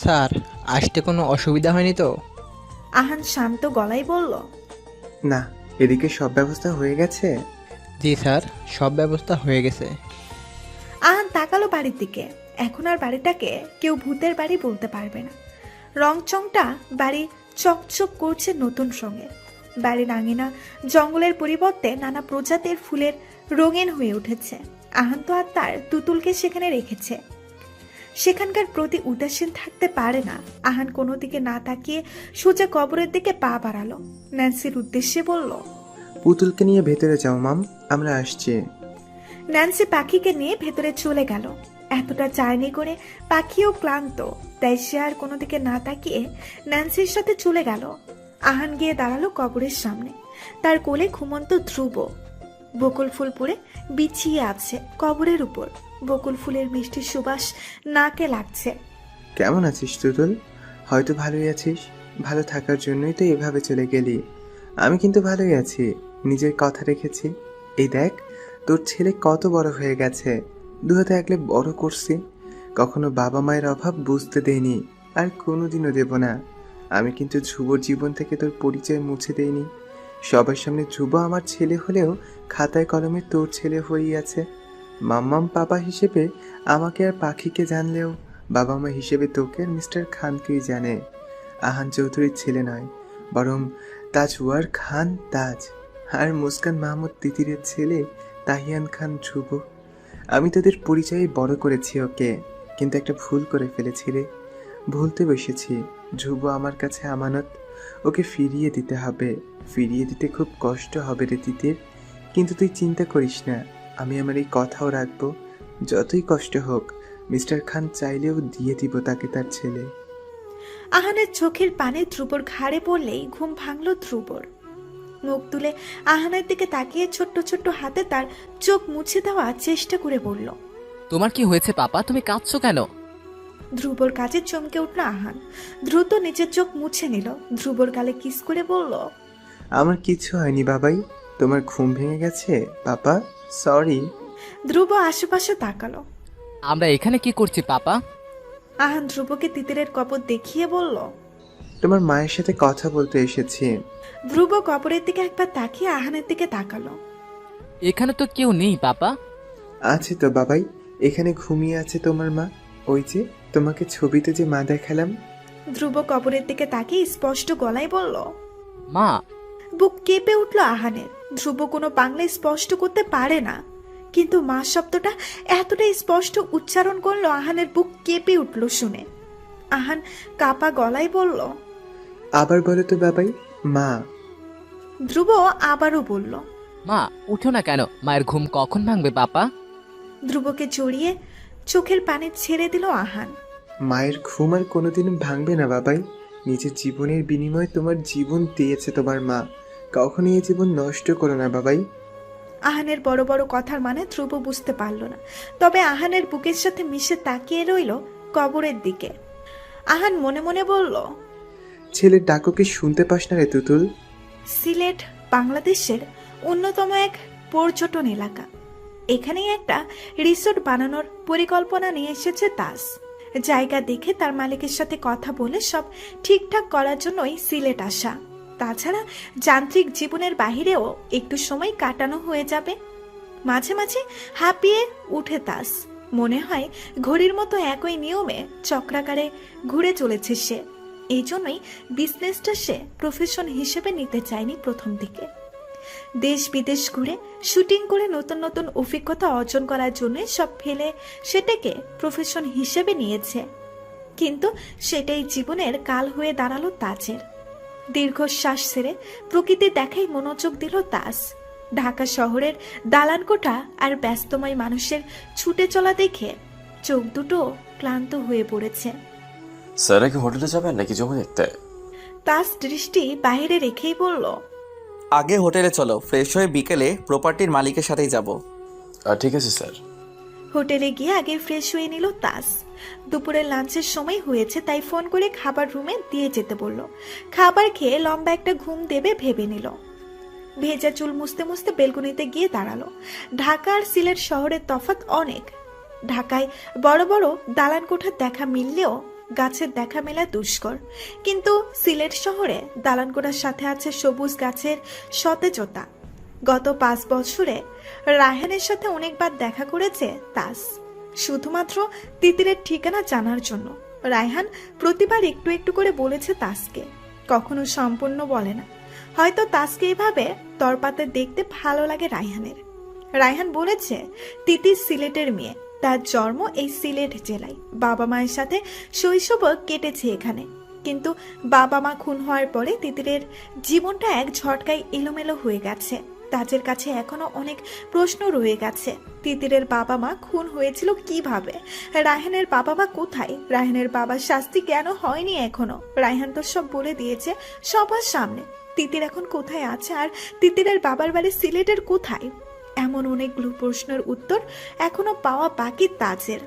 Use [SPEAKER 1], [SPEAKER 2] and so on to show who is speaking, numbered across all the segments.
[SPEAKER 1] Sir, আসতে কোনো অসুবিধা হয়নি তো?
[SPEAKER 2] আহান শান্ত গলায় বলল।
[SPEAKER 3] না, এদিকে সব ব্যবস্থা হয়ে গেছে।
[SPEAKER 1] জি স্যার, সব ব্যবস্থা হয়ে গেছে।
[SPEAKER 2] আহান তাকালো বাড়ির দিকে। এখন আর বাড়িটাকে কেউ ভূতের বাড়ি বলতে পারবে না। রংচংটা বাড়ি চকচক করছে নতুন সঙ্গে। বাড়ির আঙিনা জঙ্গলের পরিবর্তে নানা প্রজাতির ফুলের রঙিন হয়ে উঠেছে। আহান তো আর তার তুতুলকে সেখানে রেখেছে। সেখানকার প্রতি উদাসীন থাকতে পারে না। আহান কোনো দিকে না তাকিয়ে সোজা কবরের দিকে পা বাড়ালো। ন্যান্সির উদ্দেশ্যে বলল।
[SPEAKER 3] পুতুলকে নিয়ে ভেতরে যাও মাম, আমরা আসছি।
[SPEAKER 2] ন্যান্সি পাখিকে নিয়ে ভেতরে চলে গেল। এতটা জার্নি করে পাখিও ক্লান্ত, তাই সে আর কোনো দিকে না তাকিয়ে ন্যান্সির সাথে চলে গেল। আহান গিয়ে দাঁড়ালো কবরের সামনে। তার কোলে ঘুমন্ত ধ্রুব বকুল ফুল পরে বিছিয়ে আছে কবরের উপর। বকুল ফুলের মিষ্টি সুবাস নাকে লাগছে।
[SPEAKER 3] কেমন আছিস তুতুল? হয়তো ভালোই আছিস। ভালো থাকার জন্যই তো এভাবে চলে গেলি। আমি কিন্তু ভালোই আছি, নিজের কথা রেখেছি। এই দেখ, তোর ছেলে কত বড় হয়ে গেছে। দু হাতে আগলে বড় করছি। কখনো বাবা মায়ের অভাব বুঝতে দেইনি, আর কোনোদিনও দেব না। আমি কিন্তু ধ্রুবর জীবন থেকে তোর পরিচয় মুছে দেইনি। সবার সামনে ধ্রুব আমার ছেলে হলেও খাতায় কলমে তোর ছেলে হয়েই আছে। মাম্মাম পাপা হিসেবে আমাকে আর পাখিকে জানলেও বাবা মা হিসেবে তোকে আর মিস্টার খানকেই জানে। আহান চৌধুরীর ছেলে নয়, বরং তাজওয়ার খান তাজ, আর মুস্কান মাহমুদ তিতিরের ছেলে তাহিয়ান খান ধ্রুব। আমি তোদের পরিচয়ে বড় করেছি ওকে, কিন্তু একটা ভুল করে ফেলেছি রে। ভুলতে বসেছি। ধ্রুব আমার কাছে আমানত, ওকে ফিরিয়ে দিতে হবে। ফিরিয়ে দিতে খুব কষ্ট হবে রে তিতির, কিন্তু তুই চিন্তা করিস না, আমি আমার এই কথাও রাখবো। যতই কষ্ট হোক, মিস্টার খান চাইলেও দিয়ে দিব তাকে তার ছেলে।
[SPEAKER 2] আহানের চোখের পানে ধ্রুবর ঘাড়ে পড়লেই ঘুম ভাঙল ধ্রুবর। মুখ তুলে আহানের দিকে তাকিয়ে ছোট্ট ছোট্ট হাতে তার চোখ মুছে দেওয়ার চেষ্টা করে বলল।
[SPEAKER 4] তোমার কি হয়েছে পাপা, তুমি কাঁদছো কেন?
[SPEAKER 2] ধ্রুবর কাছে চমকে উঠল আহান। দ্রুত নিজের চোখ মুছে নিল। ধ্রুবর গালে কিস করে বলল।
[SPEAKER 3] আমার কিছু হয়নি বাবাই, তোমার ঘুম ভেঙে গেছে পাপা, সরি।
[SPEAKER 2] ধ্রুব আশেপাশে তাকালো।
[SPEAKER 4] আমরা এখানে কি করছি পাপা?
[SPEAKER 2] আহান ধ্রুবকে তিতিরের কবর দেখিয়ে বলল।
[SPEAKER 3] তোমার মায়ের সাথে কথা বলতে এসেছি।
[SPEAKER 2] ধ্রুব কবরের দিকে একবার তাকিয়ে আহানের দিকে তাকালো।
[SPEAKER 4] এখানে তো কেউ নেই পাপা।
[SPEAKER 3] আছে তো বাবাই, এখানে ঘুমিয়ে আছে তোমার মা। ওই যে তোমাকে ছবিতে যে মা দেখালাম।
[SPEAKER 2] ধ্রুব কবরের দিকে তাকিয়ে স্পষ্ট গলায় বলল।
[SPEAKER 4] মা।
[SPEAKER 2] বুক কেঁপে উঠল আহানের। ধ্রুব কোনো বাংলা স্পষ্ট করতে পারে না, কিন্তু মা শব্দটা এতটা স্পষ্ট উচ্চারণ করলো আহানের বুক কেঁপে উঠল শুনে। আহান কাপা গলায় বলল।
[SPEAKER 3] আবার বলো তো বাবাই, মা।
[SPEAKER 2] ধ্রুব আবারও বলল।
[SPEAKER 4] মা, উঠো না কেন? মায়ের ঘুম কখন ভাঙবে পাপা?
[SPEAKER 2] ধ্রুবকে জড়িয়ে চোখের পানি ছেড়ে দিল আহান।
[SPEAKER 3] মায়ের ঘুম আর কোনোদিন ভাঙবে না বাবাই। নিজের জীবনের বিনিময়ে তোমার জীবন দিয়েছে তোমার মা, কখনই এই জীবন নষ্ট করো না বাবাই।
[SPEAKER 2] আহানের বড় বড় কথার মানে ধ্রুব বুঝতে পারল না, তবে আহানের বুকের সাথে মিশে তাকিয়ে রইল কবরের দিকে। আহান মনে মনে বলল।
[SPEAKER 3] ছেলের ডাককে শুনতে পাস না রে তুতুল?
[SPEAKER 2] সিলেট বাংলাদেশের অন্যতম এক পর্যটন এলাকা। এখানেই একটা রিসোর্ট বানানোর পরিকল্পনা নিয়ে এসেছে তাস। জায়গা দেখে তার মালিকের সাথে কথা বলে সব ঠিকঠাক করার জন্যই সিলেট আসা। তাছাড়া যান্ত্রিক জীবনের বাহিরেও একটু সময় কাটানো হয়ে যাবে। মাঝে মাঝে হাঁপিয়ে উঠে তাস। মনে হয় ঘড়ির মতো একই নিয়মে চক্রাকারে ঘুরে চলেছে সে। এই জন্যই বিজনেসটা সে প্রফেশন হিসেবে নিতে চায়নি প্রথম দিকে। দেশ বিদেশ ঘুরে শুটিং করে নতুন নতুন অভিজ্ঞতা অর্জন করার জন্য সব ফেলে সেটাকে প্রফেশন হিসেবে নিয়েছে। কিন্তু সেটাই জীবনের কাল হয়ে দাঁড়ালো তাজের। দীর্ঘশ্বাস ছেড়ে প্রকৃতি দেখাই মনোযোগ দিল তাজ। ঢাকা শহরের দালানকোঠা আর ব্যস্তময় মানুষের ছুটে চলা দেখে চোখ দুটো ক্লান্ত হয়ে পড়েছে।
[SPEAKER 5] স্যার কি হোটেলে যাবেন নাকি জমি দেখতে?
[SPEAKER 2] তাজ দৃষ্টি বাইরে রেখেই বলল।
[SPEAKER 6] আগে হোটেলে চলো, ফ্রেশ হয়ে বিকেলে প্রপার্টির মালিকের সাথেই যাব।
[SPEAKER 5] ঠিক আছে স্যার।
[SPEAKER 2] হোটেলে গিয়ে আগে ফ্রেশ হয়ে নিল তাজ। দুপুরের লাঞ্চের সময় হয়েছে, তাই ফোন করে খাবার রুমে দিয়ে যেতে বলল। খাবার খেয়ে লম্বা একটা ঘুম দেবে ভেবে নিল। ভেজা চুল মুছতে মুছতে বেলকনিতে গিয়ে দাঁড়ালো। ঢাকা আর সিলেট শহরের তফাৎ অনেক। ঢাকায় বড় বড় দালান কোঠার দেখা মিললেও গাছের দেখা মেলা দুষ্কর, কিন্তু সিলেট শহরে দালানকোটার সাথে আছে সবুজ গাছের সতেজতা। গত 5 বছরে রায়হানের সাথে অনেকবার দেখা করেছে তাস, শুধুমাত্র তিতিরের ঠিকানা জানার জন্য। রায়হান প্রতিবার একটু একটু করে বলেছে তাসকে, কখনো সম্পূর্ণ বলে না। হয়তো তাসকে এভাবে তরপাতে দেখতে ভালো লাগে রায়হানের। রায়হান বলেছে তিতির সিলেটের মেয়ে, তার জন্ম এই সিলেট জেলায়, বাবা মায়ের সাথে শৈশব কেটেছে এখানে। কিন্তু বাবা মা খুন হওয়ার পরে তিতিরের জীবনটা এক ঝটকায় এলোমেলো হয়ে গেছে। তাজের কাছে এখনো অনেক প্রশ্ন রয়ে গেছে। তিতিরের বাবা মা খুন হয়েছিল কিভাবে? রায়হানের বাবা মা কোথায়? রায়হানের বাবার শাস্তি কেন হয়নি এখনো? রায়হান তো সব বলে দিয়েছে সবার সামনে। তিতির এখন কোথায় আছে? আর তিতিরের বাবার বাড়ি সিলেটের কোথায়? এমন অনেকগুলো প্রশ্নের উত্তর এখনো পাওয়া বাকি তাজের।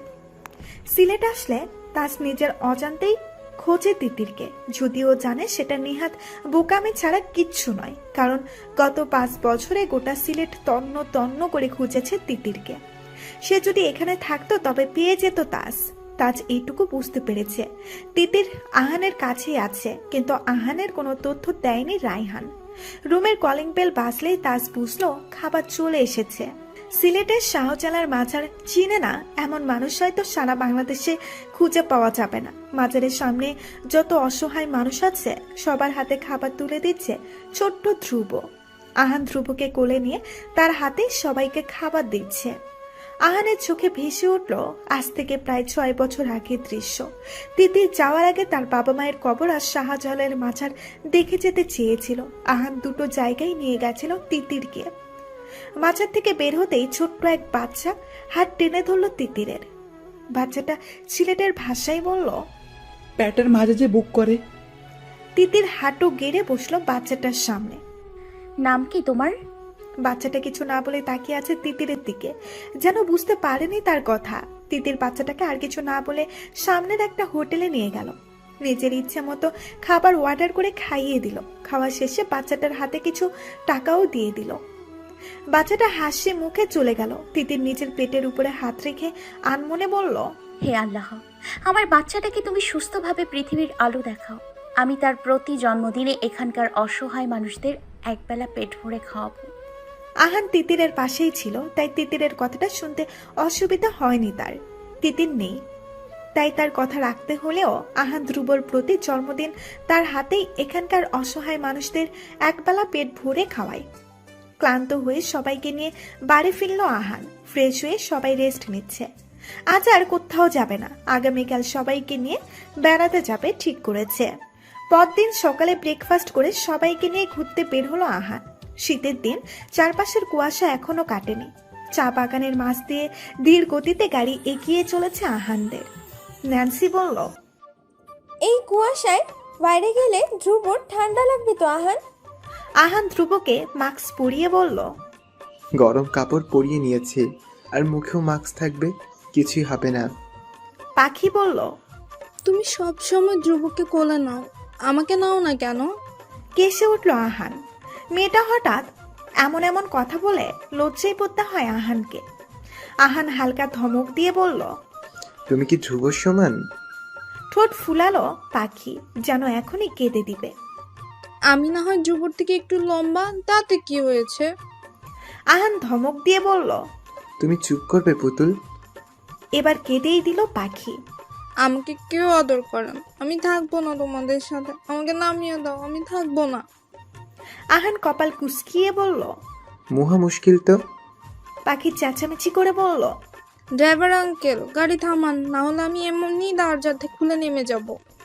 [SPEAKER 2] সিলেট আসলে তাজ নিজের অজান্তেই খোঁজে তিতিরকে, যদিও জানে সেটা নিহাত বোকামি ছাড়া কিচ্ছু নয়, কারণ গত 5 বছরে গোটা সিলেট তন্ন তন্ন করে খুঁজেছে তিতিরকে। সে যদি এখানে থাকতো তবে পেয়ে যেত তাজ। তাজ এইটুকু বুঝতে পেরেছে তিতির আহানের কাছেই আছে, কিন্তু আহানের কোনো তথ্য দেয়নি রায়হান। রুমের কলিং বেল বাজলেই তাজ বুঝলো খাবার চলে এসেছে। সিলেটের শাহজালার মাজার চিনে না এমন মানুষ হয়তো সারা বাংলাদেশে খুঁজে পাওয়া যাবে না। মাজারের সামনে যত অসহায় মানুষ আছে সবার হাতে খাবার তুলে দিচ্ছে ছোট্ট ধ্রুব। আহান ধ্রুবকে কোলে নিয়ে তার হাতে সবাইকে খাবার দিচ্ছে। আহানের চোখে ভেসে উঠল আজ থেকে প্রায় 6 বছর আগের দৃশ্য। তিতির যাওয়ার আগে তার বাবা মায়ের কবর আর শাহজালালের মাজার দেখে যেতে চেয়েছিল। আহান দুটো জায়গায় নিয়ে গেছিল তিতিরকে। মাজার থেকে বের হতেই ছোট্ট এক বাচ্চা হাত টেনে ধরল তিতিরের। বাচ্চাটা সিলেটের ভাষায় বলল,
[SPEAKER 7] প্যাটের মাঝে যে বুক করে।
[SPEAKER 2] তিতির হাঁটু গেড়ে বসলো বাচ্চাটার সামনে।
[SPEAKER 8] নাম কি তোমার?
[SPEAKER 2] বাচ্চাটা কিছু না বলে তাকিয়ে আছে তিতিরের দিকে, যেন বুঝতে পারেনি তার কথা। তিতির বাচ্চাটাকে আর কিছু না বলে সামনের একটা হোটেলে নিয়ে গেল। নিজের ইচ্ছে মতো খাবার অর্ডার করে খাইয়ে দিল। খাওয়া শেষে বাচ্চাটার হাতে কিছু টাকাও দিয়ে দিল। বাচ্চাটা হাসি মুখে চলে গেল। তিতির নিজের পেটের উপরে হাত রেখে আনমনে বলল,
[SPEAKER 8] হে আল্লাহ, আমার বাচ্চাটাকে তুমি সুস্থভাবে পৃথিবীর আলো দেখাও। আমি তার প্রতি জন্মদিনে এখানকার অসহায় মানুষদের একবেলা পেট ভরে খাওয়াবো।
[SPEAKER 2] আহান তিতিরের পাশেই ছিল, তাই তিতিরের কথাটা শুনতে অসুবিধা হয়নি তার। তিতির নেই, তাই তার কথা রাখতে হলেও আহান ধ্রুবর প্রতি জন্মদিন তার হাতেই এখানকার অসহায় মানুষদের একবেলা পেট ভরে খাওয়ায়। ক্লান্ত হয়ে সবাইকে নিয়ে বাড়ি ফিরল আহান। ফ্রেশ হয়ে সবাই রেস্ট নিচ্ছে। আজ আর কোথাও যাবে না, আগামীকাল সবাইকে নিয়ে বেড়াতে যাবে ঠিক করেছে। পরদিন সকালে ব্রেকফাস্ট করে সবাইকে নিয়ে ঘুরতে বের হলো আহান। শীতের দিন, চারপাশের কুয়াশা এখনো কাটেনি। চা বাগানের মাছ দিয়ে ধীর গতিতে গাড়ি এগিয়ে চলেছে আহানদের। ন্যান্সি বলল,
[SPEAKER 9] এই কুয়াশায় বাইরে গেলে ধ্রুবর ঠান্ডা লাগবে তো আহান।
[SPEAKER 2] আহান ধ্রুবকে মাস্ক পরিয়ে বলল,
[SPEAKER 3] গরম কাপড় পরিয়ে নিয়েছি, আর মুখেও মাস্ক থাকবে, কিছুই হবে না।
[SPEAKER 2] পাখি বলল,
[SPEAKER 10] তুমি সব সময় ধ্রুবকে কোলে নাও, আমাকে নাও না কেন?
[SPEAKER 2] কেসে উঠল আহান। মেয়েটা হঠাৎ এমন এমন কথা বলে লজ্জায় পড়তে হয় আহানকে। আহান হালকা ধমক দিয়ে বলল,
[SPEAKER 3] তুমি কি ধ্রুবর সমান?
[SPEAKER 2] ঠোঁট ফুলালো পাখি, যেন এখনই কেঁদে দিবে।
[SPEAKER 10] আমি না হয় ধ্রুবর থেকে একটু লম্বা, তাতে কি হয়েছে?
[SPEAKER 2] আহান ধমক দিয়ে বলল,
[SPEAKER 3] তুমি চুপ করবে পুতুল?
[SPEAKER 2] এবার কেঁদেই দিল পাখি।
[SPEAKER 10] আমাকে কেউ আদর করেন, আমি থাকবো না তোমাদের সাথে, আমাকে নামিয়ে দাও, আমি থাকবো না।
[SPEAKER 2] আহান কপাল কুঁচকিয়ে বলল,
[SPEAKER 3] মহা মুশকিল তো।
[SPEAKER 2] পাখি চেঁচামেচি করে বলল,
[SPEAKER 10] ড্রাইভার আঙ্কেল গাড়ি থামান, না হলে আমি এমনি দরজাতে খুলে নেমে যাব।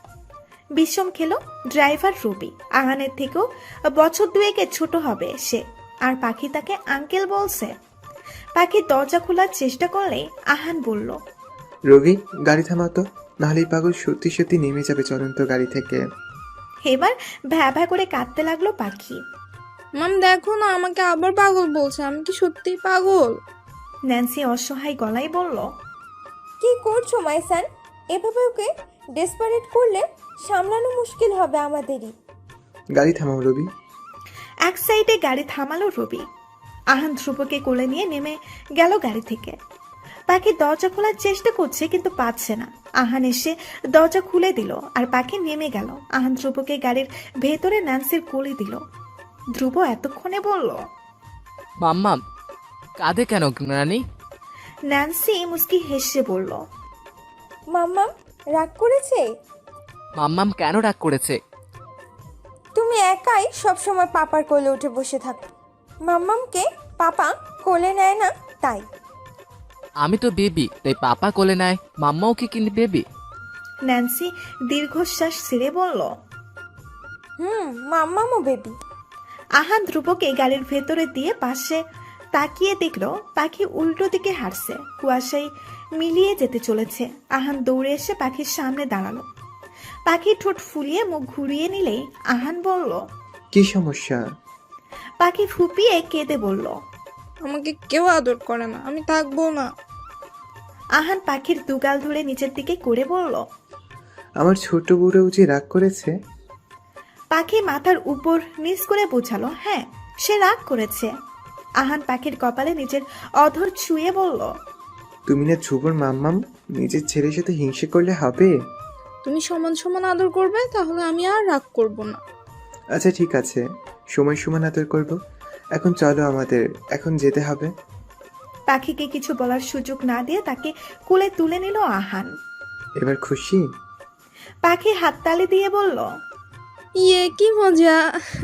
[SPEAKER 2] বিষম খেলো ড্রাইভার রবি। আহানের থেকেও বছর 2 ছোট হবে সে, আর পাখি তাকে আঙ্কেল বলছে। পাখি দরজা খোলার চেষ্টা করলে আহান বলল,
[SPEAKER 3] রবি, গাড়ি থামাতো, নাহলে এই পাগল সত্যি সত্যি নেমে যাবে চলন্ত গাড়ি থেকে।
[SPEAKER 2] এবার ভ্যা ভ্যা করে কাঁদতে লাগলো পাখি।
[SPEAKER 10] মাম দেখো না, আমাকে আবার পাগল বলছে, আমি কি সত্যিই পাগল?
[SPEAKER 2] ন্যান্সি অসহায় গলায় বলল,
[SPEAKER 9] কি করছো মাইসান? এভাবে ওকে ডেসপারেট করলে সামলানো মুশকিল হবে আমাদেরই।
[SPEAKER 3] গাড়ি থামাও রবি।
[SPEAKER 2] এক সাইডে গাড়ি থামালো রবি। আহান ধ্রুবকে কোলে নিয়ে নেমে গেল গাড়ি থেকে। পাখি দরজা খোলার চেষ্টা করছে কিন্তু পাচ্ছে না। আহান এসে দরজা খুলে দিল আর পাখি নেমে গেল। আহান ধ্রুবকে গাড়ির ভেতরে ন্যান্সির কোলে দিল। ধ্রুব এতক্ষণে বলল,
[SPEAKER 4] মাম্মাম কাঁদে কেন রানী?
[SPEAKER 2] ন্যান্সি মুস্কি হেসে বলল,
[SPEAKER 9] মাম্মাম রাগ করেছে?
[SPEAKER 4] মাম্মাম কেন রাগ করেছে?
[SPEAKER 9] তুমি একাই সবসময় পাপার কোলে উঠে বসে থাকো, মাম্মামকে পাপা কোলে নেয় না তাই।
[SPEAKER 4] আমি তো বেবি, তাই পাপা কোলে নেয়। মাম্মাও কি কিন্তু বেবি?
[SPEAKER 2] ন্যান্সি দীর্ঘশ্বাস ছেড়ে বলল।
[SPEAKER 9] মাম্মামও বেবি।
[SPEAKER 2] আহান ধ্রুবকে গাড়ির ভেতরে দিয়ে পাশে তাকিয়ে দেখলো পাখি উল্টো দিকে হাঁটছে, কুয়াশায় মিলিয়ে যেতে চলেছে। আহান দৌড়ে এসে পাখির সামনে দাঁড়ালো। পাখি ঠোঁট ফুলিয়ে মুখ ঘুরিয়ে নিলেই আহান বলল,
[SPEAKER 3] কি সমস্যা?
[SPEAKER 2] পাখি ফুপিয়ে কেঁদে বলল,
[SPEAKER 10] আমাকে কেউ আদর করে না, আমি থাকবো না।
[SPEAKER 2] আহান পাখির দুগাল ধরে নিচের দিকে করে বলল।
[SPEAKER 3] আমার ছোট বুড়ো যে রাগ করেছে?
[SPEAKER 2] পাখি মাথার উপর নিচ করে বোঝালো, হ্যাঁ সে রাগ করেছে। আহান পাখির কপালে নিজের অধর ছুঁয়ে বলল,
[SPEAKER 3] তুমি না ধ্রুবর মাম্মাম, নিজের ছেলের সাথে হিংসে করলে হবে?
[SPEAKER 10] তুমি সমান সমান আদর করবে, তাহলে আমি আর রাগ করব না।
[SPEAKER 3] আচ্ছা ঠিক আছে, সময় সমান আদর করব। এখন চলো, আমাদের এখন যেতে হবে।
[SPEAKER 2] পাখিকে কিছু বলার সুযোগ না দিয়ে তাকে কোলে তুলে নিল আহান।
[SPEAKER 3] এবার খুশি?
[SPEAKER 2] পাখি হাততালি দিয়ে বলল।
[SPEAKER 10] ইয়ে কি মজা।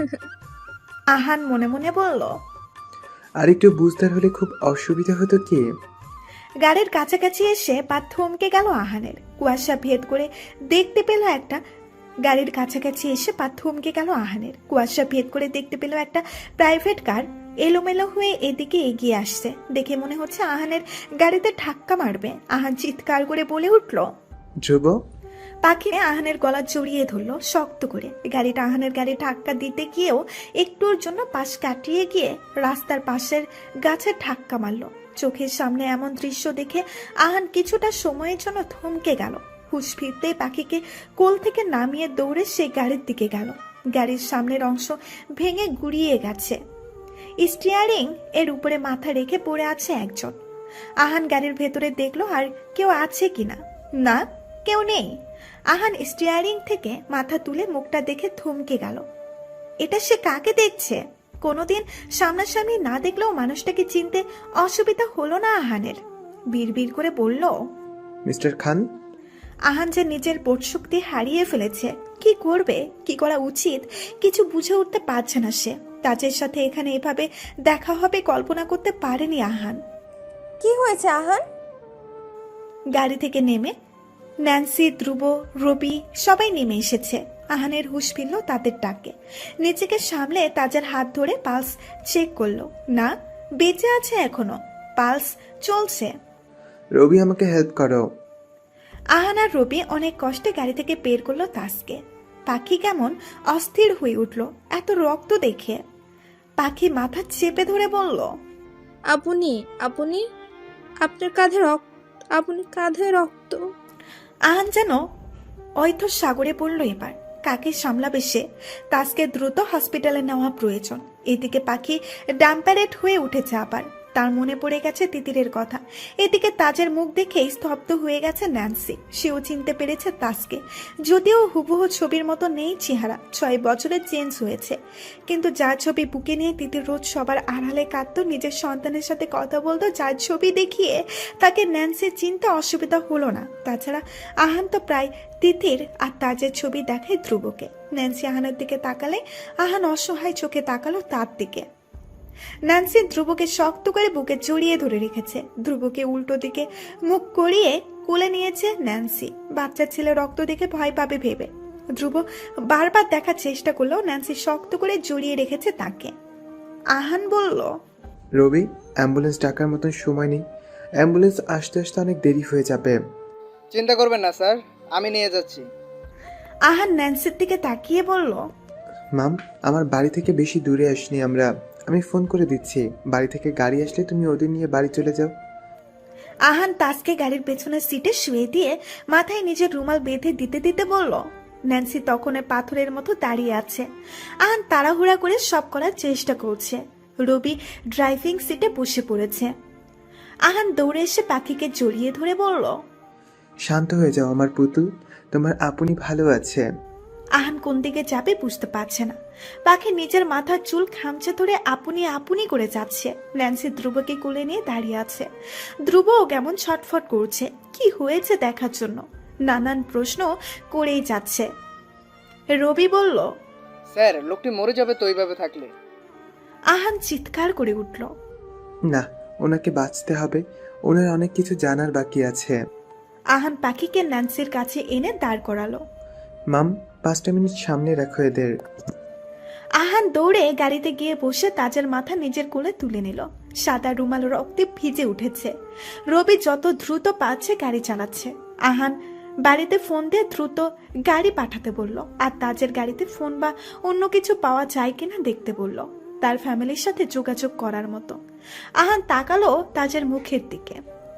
[SPEAKER 2] আহান মনে মনে বলল।
[SPEAKER 3] আর একটু বুঝদার হলে খুব অসুবিধা হতো কি?
[SPEAKER 2] গাড়ির কাছাকাছি এসে পা থমকে গেল আহানের। কুয়াশা ভেদ করে দেখতে পেল একটা গাড়ির কাছাকাছি এসে পা থমকে গেল আহানের। কুয়াশা ভেদ করে দেখতে পেল একটা প্রাইভেট কার এলোমেলো হয়ে এদিকে এগিয়ে আসছে। দেখে মনে হচ্ছে আহানের গাড়িতে ধাক্কা মারবে। আহান চিৎকার করে বলে উঠল,
[SPEAKER 3] ধ্রুব।
[SPEAKER 2] পাখি আহানের গলা জড়িয়ে ধরলো শক্ত করে। গাড়িটা আহানের গাড়ি ধাক্কা দিতে গিয়েও একটুর জন্য পাশ কাটিয়ে গিয়ে রাস্তার পাশের গাছে ধাক্কা মারলো। চোখের সামনে এমন দৃশ্য দেখে আহান কিছুটা সময়ের জন্য থমকে গেল। হুঁশ ফিরতেই পাখিকে কোল থেকে নামিয়ে দৌড়ে সে গাড়ির দিকে গেল। গাড়ির সামনের অংশ ভেঙে গুড়িয়ে গেছে। স্টিয়ারিং এর উপরে মাথা রেখে পড়ে আছে একজন। আহান গাড়ির ভেতরে দেখলো আর কেউ আছে কিনা। না, কেউ নেই। আহান স্টিয়ারিং থেকে মাথা তুলে মুখটা দেখে থমকে গেল। এটা সে কাকে দেখছে? কোনোদিন সামনাসামনি না দেখলেও মানুষটাকে চিনতে অসুবিধা হলো না আহানের। বিড়বিড় করে বলল,
[SPEAKER 3] মিস্টার খান।
[SPEAKER 2] আহান যে নিজের বোধশক্তি হারিয়ে ফেলেছে। কি করবে, কি করা উচিত কিছু বুঝে উঠতে পারছে না সে। তাজের সাথে এখানে এভাবে দেখা হবে কল্পনা করতে পারেনি আহান।
[SPEAKER 9] কি হয়েছে আহান?
[SPEAKER 2] গাড়ি থেকে নেমে ন্যান্সি, ধ্রুব, রবি সবাই নেমে এসেছে। আহানের হুঁশ ফিরল তাদের ডাকে। নিজেকে সামলে তাজের হাত ধরে পালস চেক করলো। না, বেঁচে আছে এখনো, পালস চলছে।
[SPEAKER 3] রবি আমাকে হেল্প করো।
[SPEAKER 2] আহান আর রবি অনেক কষ্টে গাড়ি থেকে বের করলো তাজকে। পাখি কেমন অস্থির হয়ে উঠল এত রক্ত দেখে। পাখি মাথা চেপে ধরে বলল,
[SPEAKER 10] আপনি আপনি আপনার কাঁধে রক্ত, আপনি কাঁধে রক্ত।
[SPEAKER 2] আহান যেন অয়থ সাগরে পড়ল এবার। কাকে সামলাবে সে? তাজকে দ্রুত হসপিটালে নেওয়া প্রয়োজন। এদিকে পাখি ডাম্পারেট হয়ে উঠেছে আবার। তার মনে পড়ে গেছে তিতিরের কথা। এদিকে তাজের মুখ দেখেই স্তব্ধ হয়ে গেছে ন্যান্সি। সেও চিনতে পেরেছে তাজকে, যদিও হুবহু ছবির মতো নেই চেহারা। 6 বছরে চেঞ্জ হয়েছে। কিন্তু যার ছবি বুকে নিয়ে তিতির রোজ সবার আড়ালে কাঁদত, নিজের সন্তানের সাথে কথা বলতো, যার ছবি দেখিয়ে তাকে ন্যান্সি চিনতে অসুবিধা হলো না। তাছাড়া আহান তো প্রায় তিতির আর তাজের ছবি দেখায় ধ্রুবকে। ন্যান্সি আহানের দিকে তাকালে আহান অসহায় চোখে তাকালো তার দিকে। ন্যান্সি ধ্রুবকে শক্ত করে বুকে জড়িয়ে ধরে রেখেছে। ধ্রুবকে উল্টো দিকে মুখ করিয়ে কোলে নিয়েছে ন্যান্সি। বাচ্চা ছেলে রক্ত দেখে ভয় পাবে ভেবে ধ্রুব বারবার দেখার চেষ্টা করলেও ন্যান্সি শক্ত করে জড়িয়ে রেখেছে তাকে। আহান বলল,
[SPEAKER 3] রবি, অ্যাম্বুলেন্স ডাকার মতন সময় নেই। অ্যাম্বুলেন্স আসতে আসতে অনেক দেরি হয়ে যাবে।
[SPEAKER 1] চিন্তা করবেন না স্যার, আমি নিয়ে যাচ্ছি।
[SPEAKER 2] আহান ন্যান্সির দিকে তাকিয়ে বলল,
[SPEAKER 3] মাম, আমার বাড়ি থেকে বেশি দূরে আসনি আমরা। আমি ফোন করে দিচ্ছি, বাড়ি থেকে গাড়ি আসলে তুমি ওদের নিয়ে বাড়ি চলে যাও।
[SPEAKER 2] আহান তাজকে গাড়ির পেছনের সিটে শুয়ে দিয়ে মাথায় নিজের রুমাল বেঁধে দিতে দিতে বলল। ন্যান্সি তখন পাথরের মতো দাঁড়িয়ে আছে। আহান তাড়াহুড়া করে সব করার চেষ্টা করছে। রবি ড্রাইভিং সিটে বসে পড়েছে। আহান দৌড়ে এসে পাখিকে জড়িয়ে ধরে বলল।
[SPEAKER 3] শান্ত হয়ে যাও আমার পুতুল, তোমার আপনি ভালো আছে।
[SPEAKER 2] আহান কোন দিকে যাবে বুঝতে পারছে না। পাখি নিজের মাথার চুল খামচে ধরে আপনি আপনি করে যাচ্ছে। ন্যান্সি ধ্রুবকে কোলে নিয়ে দাঁড়িয়ে আছে। ধ্রুবও কেমন ছটফট করছে কি হয়েছে দেখার জন্য, নানান প্রশ্ন করেই যাচ্ছে। রবি বলল,
[SPEAKER 1] স্যার লোকটি মরে যাবে তো এইভাবে থাকলে।
[SPEAKER 2] আহান চিৎকার করে উঠল।
[SPEAKER 3] না, ওনাকে বাঁচতে হবে, ওনার অনেক কিছু জানার বাকি আছে।
[SPEAKER 2] আহান পাখিকে ন্যান্সির কাছে এনে দাঁড় করালো।
[SPEAKER 3] মাম, 5টা মিনিট সামনে রাখো এদের।
[SPEAKER 2] আহান দৌড়ে গাড়িতে গিয়ে বসে তাজের মাথা নিজের কোলে তুলে নিল। সাদা রুমাল রক্তে ভিজে উঠেছে। রবি যত দ্রুত পারছে গাড়ি চালাচ্ছে। আহান বাড়িতে ফোন দিয়ে দ্রুত গাড়ি পাঠাতে বলল, আর তাজের গাড়িতে ফোন বা অন্য কিছু পাওয়া যায় কিনা দেখতে বলল, তার ফ্যামিলির সাথে যোগাযোগ করার মতো। আহান তাকালো তাজের মুখের দিকে।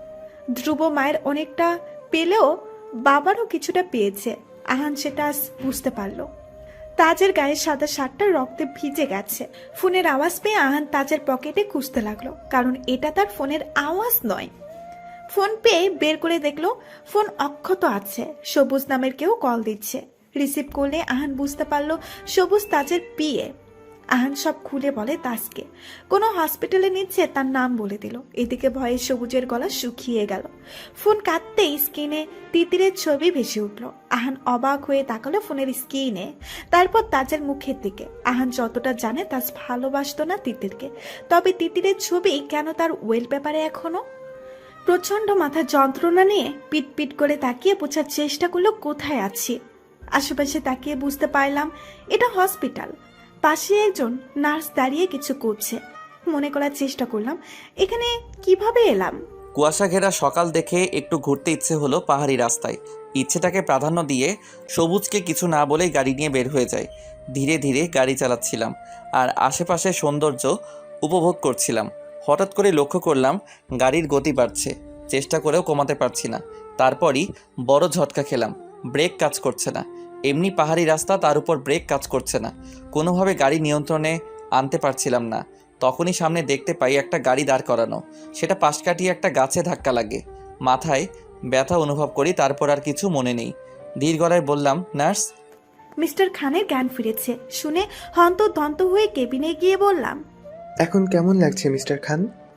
[SPEAKER 2] ধ্রুব মায়ের অনেকটা পেলেও বাবারও কিছুটা পেয়েছে। আহান সেটা আজ বুঝতে পারলো। তাজের গায়ে সাদা শার্টটা রক্তে ভিজে গেছে। ফোনের আওয়াজ পেয়ে আহান তাজের পকেটে খুঁজতে লাগলো, কারণ এটা তার ফোনের আওয়াজ নয়। ফোন পেয়ে বের করে দেখলো ফোন অক্ষত আছে। সবুজ নামের কেউ কল দিচ্ছে। রিসিভ করলে আহান বুঝতে পারলো সবুজ তাজের পিএ। আহান সব খুলে বলে তাজকে কোনো হসপিটালে নিচ্ছে, তার নাম বলে দিল। এদিকে ভয়ে সবুজের গলা শুকিয়ে গেল। ফোন কাটতেই স্ক্রিনে তিতিরের ছবি ভেসে উঠল। আহান অবাক হয়ে তাকালো ফোনের স্ক্রিনে, তারপর তাজের মুখের দিকে। আহান যতটা জানে তাজ ভালোবাসতো না তিতিরকে, তবে তিতিরের ছবি কেন তার ওয়েল পেপারে এখনো। প্রচন্ড মাথার যন্ত্রণা নিয়ে পিট পিট করে তাকিয়ে বোঝার চেষ্টা করলো কোথায় আছি। আশেপাশে তাকিয়ে বুঝতে পারলাম এটা হসপিটাল। পাশে একজন নার্স দাঁড়িয়ে কিছু করছে। মনে করার চেষ্টা করলাম এখানে কিভাবে এলাম।
[SPEAKER 6] কুয়াশা ঘেরা সকাল দেখে একটু ঘুরতে ইচ্ছে হলো পাহাড়ি রাস্তায়। ইচ্ছেটাকে প্রাধান্য দিয়ে সবুজকে কিছু না বলেই গাড়ি নিয়ে বের হয়ে যায়। ধীরে ধীরে গাড়ি চালাচ্ছিলাম আর আশেপাশের সৌন্দর্য উপভোগ করছিলাম। হঠাৎ করে লক্ষ্য করলাম গাড়ির গতি বাড়ছে। চেষ্টা করেও কমাতে পারছি না। তারপরই বড় ঝটকা খেলাম। ব্রেক কাজ করছে না। এমনি পাহাড়ি রাস্তা, তার উপর ব্রেক কাজ করছে না। কোনোভাবে গাড়ি নিয়ন্ত্রণে আনতে পারছিলাম না। তখনই সামনে দেখতে পাই একটা গাড়ি দাঁড় করানো। সেটা পাশ কাটিয়ে একটা গাছে ধাক্কা লাগে। মাথায় ব্যথা অনুভব করি, তারপর আর কিছু মনে নেই। ধীর গলায় বললাম, নার্স।
[SPEAKER 2] মিস্টার খানের জ্ঞান ফিরেছে শুনে হন্তদন্ত হয়ে কেবিনে গিয়ে বললাম,
[SPEAKER 3] এখন কেমন লাগছে মিস্টার খান?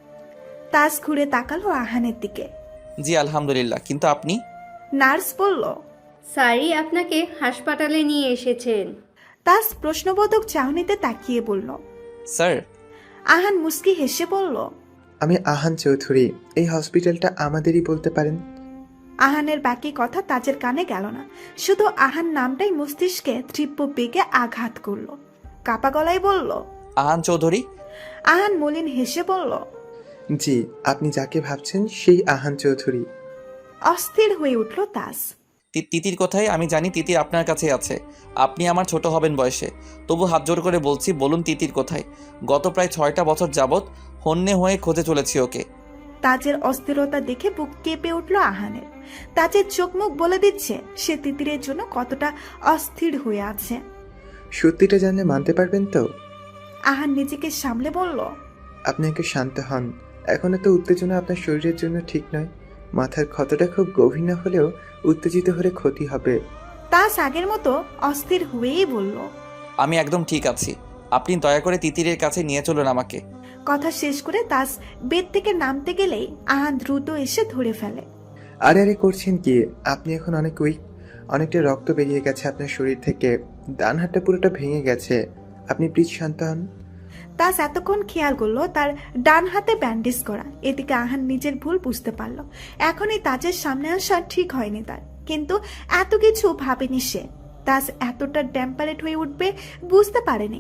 [SPEAKER 2] তাজ ঘুরে তাকালো আহানের দিকে।
[SPEAKER 6] জি আলহামদুলিল্লাহ, কিন্তু আপনি?
[SPEAKER 2] নার্স বলল,
[SPEAKER 11] স্যারই আপনাকে হাসপাতালে নিয়ে এসেছেন।
[SPEAKER 2] তাজ প্রশ্নবোধক চাহনিতে তাকিয়ে বলল।
[SPEAKER 6] স্যার?
[SPEAKER 2] আহান মুস্কি হেসে বলল,
[SPEAKER 3] আমি আহান চৌধুরী, এই হসপিটালটা আমাদেরই বলতে পারেন।
[SPEAKER 2] আহানের বাকি কথা তাজের কানে গেল না। শুধু আহান নামটাই মস্তিষ্কে তীব্র বেগে আঘাত করলো। কাপা গলায় বলল,
[SPEAKER 6] আহান চৌধুরী?
[SPEAKER 2] আহান মলিন হেসে বলল,
[SPEAKER 3] জি, আপনি যাকে ভাবছেন সেই আহান চৌধুরী।
[SPEAKER 2] অস্থির হয়ে উঠল তাজ।
[SPEAKER 6] তিতির কোথায়? আমি জানি তিতির আপনার কাছে আছে। আপনি আমার ছোট হবেন বয়সে, তবু হাত জোর করে বলছি, বলুন তিতির কোথায়? গত প্রায় 6টা বছর যাবৎ হন্যে হয়ে খুঁজে চলেছি ওকে।
[SPEAKER 2] তাজের অস্থিরতা দেখে বুক কেঁপে উঠল আহানের। তাজের চোখ মুখ বলে দিচ্ছে সে তিতিরের জন্য কতটা অস্থির হয়ে আছে।
[SPEAKER 3] সত্যিটা জানলে মানতে পারবেন তো?
[SPEAKER 2] আহান নিজেকে সামলে বলল,
[SPEAKER 3] আপনি একটু শান্ত হন। এখন এত উত্তেজনা আপনার শরীরের জন্য ঠিক নয়। মাথার ক্ষতটা খুব গভীর না হলেও উত্তেজিত হলে ক্ষতি হবে।
[SPEAKER 2] তাজ আগের মতো অস্থির হয়েই বলল,
[SPEAKER 6] আমি একদম ঠিক আছি। আপনি দয়া করে তিতিরের কাছে নিয়ে চলুন আমাকে।
[SPEAKER 2] কথা শেষ করে তাজ বেড থেকে নামতে গেলেই আহান দ্রুত এসে ধরে ফেলে।
[SPEAKER 3] আরে আরে করছেন কি? আপনি এখন অনেক উইক, অনেকটা রক্ত বেরিয়ে গেছে আপনার শরীর থেকে, ডান হাতটা পুরোটা ভেঙে গেছে। আপনি প্লিজ শান্ত হন।
[SPEAKER 2] তাজ এতক্ষণ খেয়াল করলো তার ডান হাতে ব্যান্ডেজ করা। এদিকে আহান নিজের ভুল বুঝতে পারলো। এখনই তাজের সামনে আসা ঠিক হয়নি তার, কিন্তু এত কিছু ভাবেনি সে। তাজ এতটা ড্যাম্পারেট হয়ে উঠবে বুঝতে পারেনি।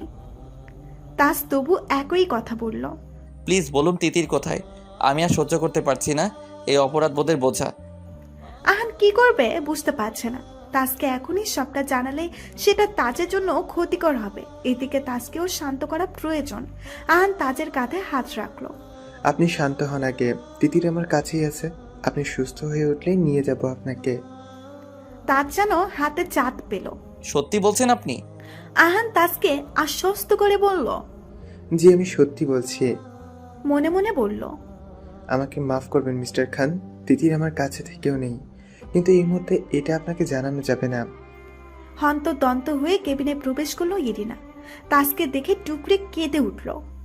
[SPEAKER 2] তাজ তবু একই কথা বলল,
[SPEAKER 6] প্লিজ বলুন তিতির কোথায়? আমি আর সহ্য করতে পারছি না এই অপরাধবোধের বোঝা।
[SPEAKER 2] আহান কি করবে বুঝতে পারছে না। তাজকে এখনই সবটা জানালে সেটা তাজের জন্য ক্ষতিকর হবে। এদিকে তাজকেও শান্ত করা প্রয়োজন। আহান তাজের কাঁধে হাত রাখলো।
[SPEAKER 3] আপনি শান্ত হন আগে, তিতির আমার কাছেই আছে। আপনি সুস্থ হয়ে উঠলেই নিয়ে যাব আপনাকে।
[SPEAKER 2] তাজ যেন হাতে চাঁদ পেল।
[SPEAKER 6] সত্যি বলছেন আপনি?
[SPEAKER 2] আহান তাজকে আশ্বস্ত করে বলল,
[SPEAKER 3] জি, আমি সত্যি বলছি।
[SPEAKER 2] মনে মনে বলল,
[SPEAKER 3] আমাকে মাফ করবেন মিস্টার খান। তিতির আমার কাছে থেকেও নেই, কিন্তু এই মুহূর্তে এটা আপনাকে জানানো যাবে না।
[SPEAKER 2] হন্তদন্ত হয়ে কেবিনে প্রবেশ করলো ইরিনা। তাসকে দেখে টুকরে কেঁদে উঠল।